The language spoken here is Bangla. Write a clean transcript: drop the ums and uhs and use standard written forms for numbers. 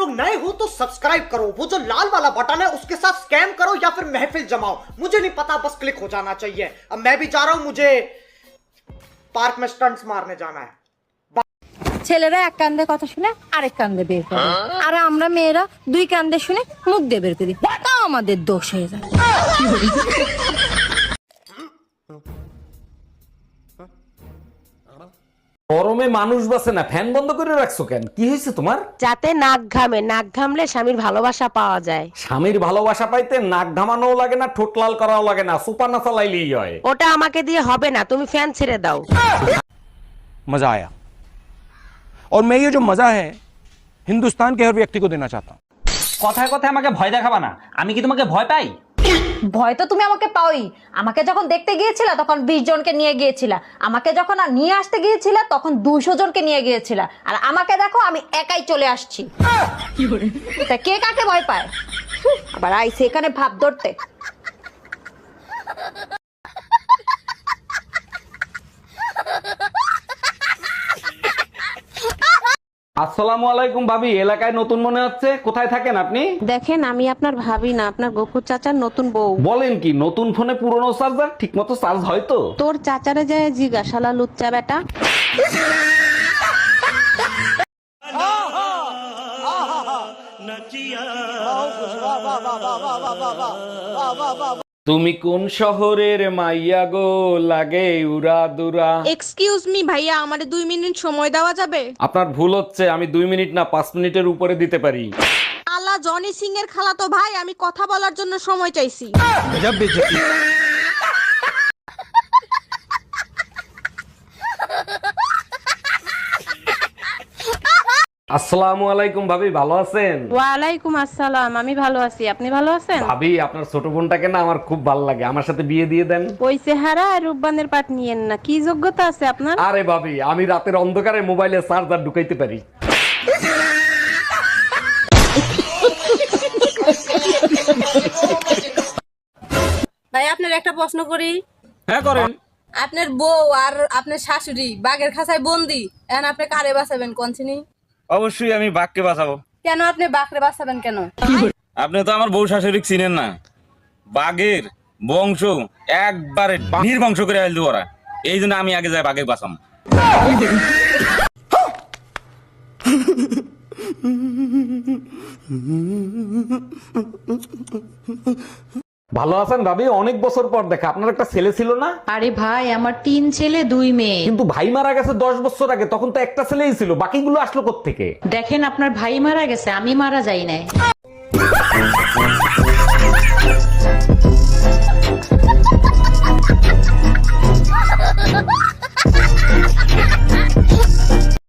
लोग नए हो तो सब्सक्राइब करो, वो जो लाल वाला बटन है उसके साथ स्कैम करो या फिर महफिल जमाओ, मुझे नहीं पता, बस क्लिक हो जाना चाहिए। अब मैं भी जा रहा हूं, मुझे पार्क में स्टंट्स मारने जाना है। ছেলেরা এক কান্দে কথা শুনে আরেক কান্দে বের করে, আর আমরা মেয়েরা দুই কান্দে শুনে মুখ দিয়ে বের করি, তাও আমাদের দোষ হয়ে যায়। গরমে মানুষ বাসে না, ফ্যান বন্ধ করে রাখছো কেন? কি হয়েছে তোমার? যাতে নাক ঘামে, নাক ঘামলে স্বামীর ভালোবাসা পাওয়া যায়। স্বামীর ভালোবাসা পাইতে নাক ঘামানোও লাগে না, ঠোঁট লাল করাও লাগে না, সুপার না চালাইলেই হয়। ওটা আমাকে দিয়ে হবে না, তুমি ফ্যান ছেড়ে দাও। मजा आया और मैं ये जो मजा है हिंदुस्तान के हर व्यक्ति को देना चाहता हूँ। কথায় কথায় আমাকে ভয় দেখাবা না, আমি কি তোমাকে ভয় পাই? ভয় তো তুমি আমাকে পাওই। আমাকে যখন দেখতে গিয়েছিলা তখন 20 জনকে নিয়ে গিয়েছিলা, আমাকে যখন আর নিয়ে আসতে গিয়েছিলা তখন 200 জনকে নিয়ে গিয়েছিলা, আর আমাকে দেখো আমি একাই চলে আসছি। তা কে কাকে ভয় পায়? আবার আইছে এখানে ভাব ধরতে। আসসালামু আলাইকুম ভাবি, এলাকায় নতুন মনে হচ্ছে, কোথায় থাকেন আপনি? দেখেন, আমি আপনার ভাবি না, আপনার গফুর চাচার নতুন বউ। বলেন কি, নতুন ফোনে পুরনো চার্জার ঠিক মতো চার্জ হয় তো? তোর চাচারে যায় জিজ্ঞাসালা লুচ্চা বেটা। তুমি কোন শহরের মাইয়া গো, লাগে উরা দুরা। এক্সকিউজ মি ভাইয়া, আমারে 2 মিনিট সময় দেওয়া যাবে? আপনার ভুল হচ্ছে, আমি 2 মিনিট না 5 মিনিটের উপরে দিতে পারি। আলা জনি সিং এর খালাতো ভাই, আমি কথা বলার জন্য সময় চাইছি। আসসালামু আলাইকুম ভাবি, ভালো আছেন? ওয়ালাইকুম আসসালাম, আমি ভালো আছি, আপনি ভালো আছেন? ভাবি, আপনার ছোট বোনটাকে না আমার খুব ভালো লাগে, আমার সাথে বিয়ে দিয়ে দেন। ওই চেহারা আর রূপবানের পাট নিয়েন না, কি যোগ্যতা আছে আপনার? আরে ভাবি, আমি রাতের অন্ধকারে মোবাইলে চার্জার ঢুকাইতে পারি। ভাই আপনার একটা প্রশ্ন করি। হ্যাঁ করেন। আপনার বউ আর আপনার শাশুড়ি বাঘের খাঁচায় বন্দি, এখন আপনি কারে বাঁচাবেন কোনছিনি? অবশ্যই আমি বাঘকে বাঁচাবো। কেন আপনি বাঘরে বাঁচাবেন কেন? আপনি তো আমার বউ শাশুড়ি চিনেন না, বাঘের বংশ একবারে নির্বংশ করে আইল ওরা, এই জন্য আমি আগে যাই বাঘে বাঁচাম। ভালো আছেন ভাবি? অনেক বছর পর দেখা, আপনার একটা ছেলে ছিল না? আরে ভাই, আমার 3 ছেলে 2 মেয়ে। কিন্তু ভাই মারা গেছে 10 বছর আগে, তখন তো একটা ছেলেই ছিল, বাকিগুলো আসলো কোত্থেকে? দেখেন, আপনার ভাই মারা গেছে, আমি মারা যাই নাই।